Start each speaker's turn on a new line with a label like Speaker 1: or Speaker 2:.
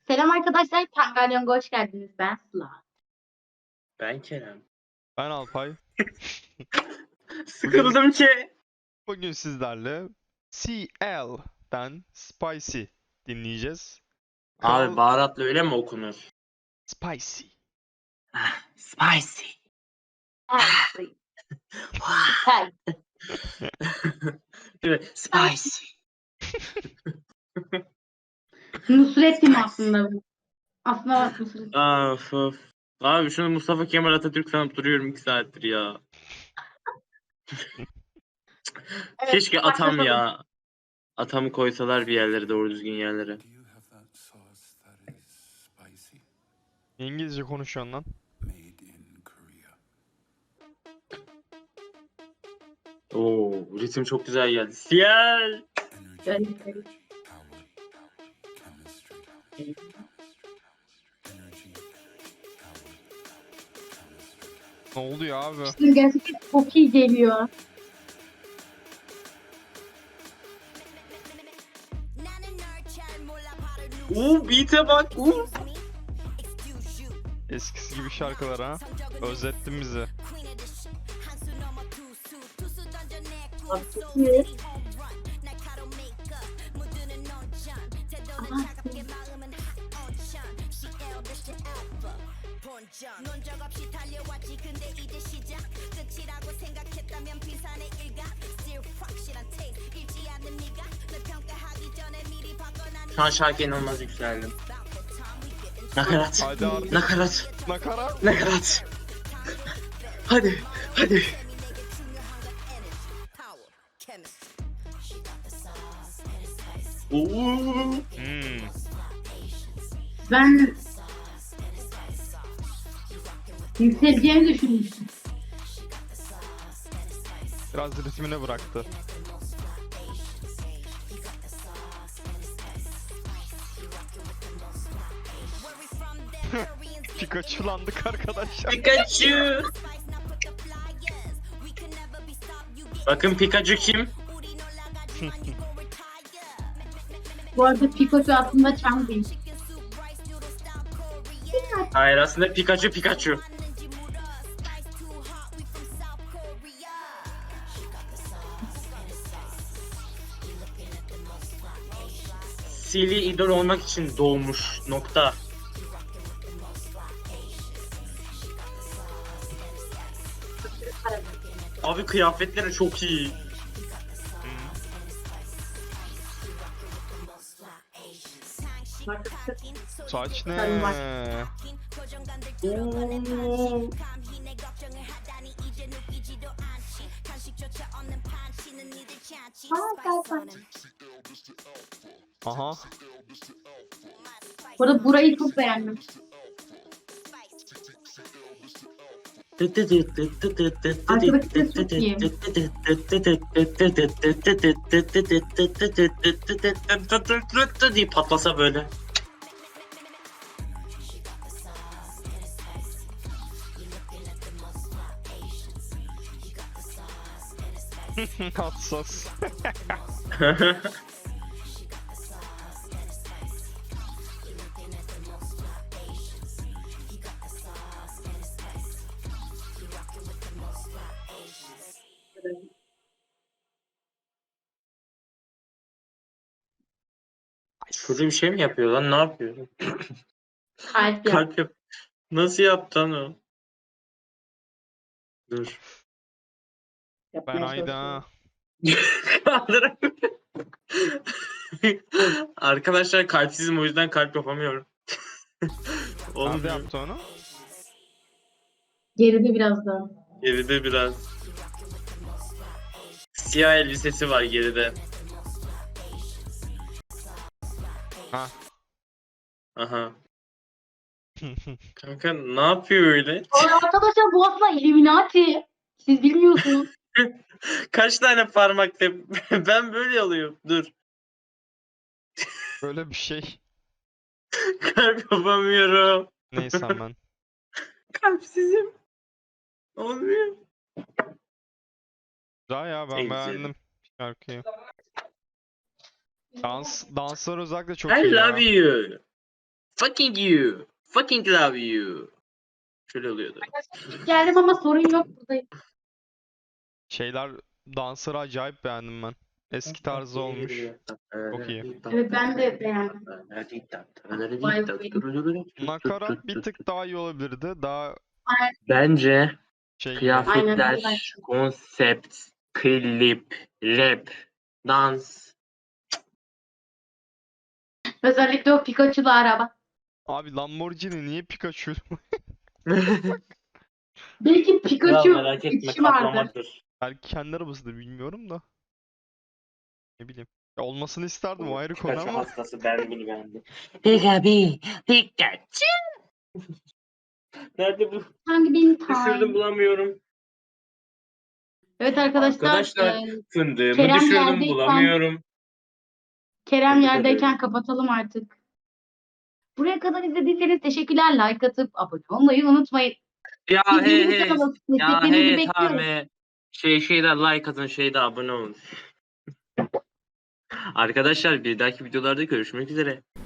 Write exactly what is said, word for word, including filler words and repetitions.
Speaker 1: Selam arkadaşlar, Tangalyon'a hoş geldiniz. Ben Sıla.
Speaker 2: Ben Kerem.
Speaker 3: Ben Alpay.
Speaker 2: Sıkıldım ki.
Speaker 3: Bugün sizlerle C L'den Spicy dinleyeceğiz. Kral
Speaker 2: Abi baharatlı öyle mi okunur?
Speaker 3: Spicy.
Speaker 2: Ah, spicy.
Speaker 1: Hey, hey.
Speaker 2: Değil mi? Spicy.
Speaker 1: Nusret'im aslında bu. Aslında bak Nusret.
Speaker 2: Of of. Abi şunu Mustafa Kemal Atatürk sanıp duruyorum iki saattir ya.
Speaker 1: Evet,
Speaker 2: Keşke atam
Speaker 1: başlatalım.
Speaker 2: ya. Atamı koysalar bir yerlere, doğru düzgün yerlere.
Speaker 4: Do you have that sauce that is spicy,
Speaker 3: İngilizce konuşuyorsun lan.
Speaker 4: made in Korea?
Speaker 2: Oo, ritim çok güzel geldi. Siyel.
Speaker 4: Energy,
Speaker 1: Evet, evet.
Speaker 4: power, chemistry. Energy, power, chemistry.
Speaker 3: Ne oldu ya abi?
Speaker 1: Şimdi gerçekten çok iyi geliyor.
Speaker 2: Oo, beat'e bak. Oo.
Speaker 3: Eskisi gibi şarkılar ha. Özlettin bizi.
Speaker 1: Abi, çok iyi. Aha,
Speaker 2: Şu an şarkı inanılmaz yükseldim. Nakarat.
Speaker 3: Hadi artık.
Speaker 2: Nakarat.
Speaker 3: Nakarat.
Speaker 2: Nakarat. Hadi. Hadi. Oo.
Speaker 3: Hmm.
Speaker 1: ben yükseleceğimi düşünmüştüm.
Speaker 3: Biraz ritmine bıraktı. Pikachu'landık arkadaşlar.
Speaker 2: Pikachu. Bakın Pikachu kim?
Speaker 1: Bu arada Pikachu aslında Chang değil.
Speaker 2: Hayır, aslında Pikachu Pikachu. Silly idol olmak için doğmuş. Nokta. Abi kıyafetleri çok iyi.
Speaker 3: Saç ne?
Speaker 1: Sarı var.
Speaker 2: Oo.
Speaker 3: Aha.
Speaker 1: Bu arada burayı çok beğendim.
Speaker 2: diye patlasa böyle.
Speaker 3: Hassas.
Speaker 2: Şurada bir şey mi yapıyor lan? Ne yapıyor?
Speaker 1: Kalp yap.
Speaker 2: Kalp yap. Nasıl yaptı lan o? Dur.
Speaker 3: Ben
Speaker 1: yapmaya
Speaker 3: Ayda.
Speaker 1: çalışıyorum.
Speaker 2: Kaldıramıyorum. Arkadaşlar kalpsizim, o yüzden kalp yapamıyorum.
Speaker 3: Nerede
Speaker 2: Olmuyor.
Speaker 3: yaptı onu?
Speaker 1: Geride biraz daha.
Speaker 2: Geride biraz. Siyah elbisesi var geride.
Speaker 3: Ha.
Speaker 2: Aha. Kanka ne yapıyor öyle?
Speaker 1: Aa, arkadaşlar bu aslında Illuminati. Siz bilmiyorsunuz.
Speaker 2: Kaç tane parmakta? Ben böyle alıyorum. Dur.
Speaker 3: Böyle bir şey.
Speaker 2: Kalp yapamıyorum.
Speaker 3: Neyse ben.
Speaker 2: Kalpsizim. Olmuyor.
Speaker 3: Güzel ya, ben
Speaker 2: En güzeli.
Speaker 3: beğendim şarkıyı. Dans, danslar özellikle çok
Speaker 2: I
Speaker 3: iyi
Speaker 2: love
Speaker 3: ya.
Speaker 2: you. Fucking you. Fucking love you. Şöyle oluyordu.
Speaker 1: Geldim ama sorun yok buradayım.
Speaker 3: Şeyler, dansları acayip beğendim ben. Eski tarzı olmuş. Çok iyi.
Speaker 1: Evet ben de beğendim.
Speaker 3: Nakarat bir tık daha iyi olabilirdi. Daha
Speaker 2: Bence
Speaker 3: şey gibi.
Speaker 2: kıyafetler,
Speaker 1: Aynen.
Speaker 2: konsept, klip, rap, dans.
Speaker 1: Özellikle o Pikachu'lu araba.
Speaker 3: Abi Lamborghini niye Pikachu?
Speaker 1: Belki
Speaker 2: Kral
Speaker 1: Pikachu
Speaker 2: merak etme
Speaker 1: içi vardı.
Speaker 2: kaplamadır.
Speaker 3: Belki kendi arabasıdır, bilmiyorum da. Ne bileyim. Ya olmasını isterdim, o ayrı konu
Speaker 2: Pikachu
Speaker 3: ama.
Speaker 2: hastası ben bunu beğendim. Pikachu, Pikachu. Nerede bu?
Speaker 1: Hangi benim
Speaker 2: Düşürdüm
Speaker 1: time?
Speaker 2: bulamıyorum.
Speaker 1: Evet arkadaşlar,
Speaker 2: Arkadaşlar
Speaker 1: e,
Speaker 2: fındığımı
Speaker 1: Kerem
Speaker 2: düşürdüm
Speaker 1: yerdeyken-
Speaker 2: bulamıyorum.
Speaker 1: Kerem
Speaker 2: Tebrik
Speaker 1: yerdeyken
Speaker 2: ederim.
Speaker 1: kapatalım artık. Buraya kadar izlediyseniz teşekkürler. Like atıp abone olmayı unutmayın.
Speaker 2: Ya he
Speaker 1: Bildiğiniz
Speaker 2: he.
Speaker 1: kanalı
Speaker 2: Ya
Speaker 1: desteklerinizi
Speaker 2: he
Speaker 1: bekliyorum.
Speaker 2: tamam he. Şey şeyde like atın şeyde abone olun. Arkadaşlar bir dahaki videolarda görüşmek üzere.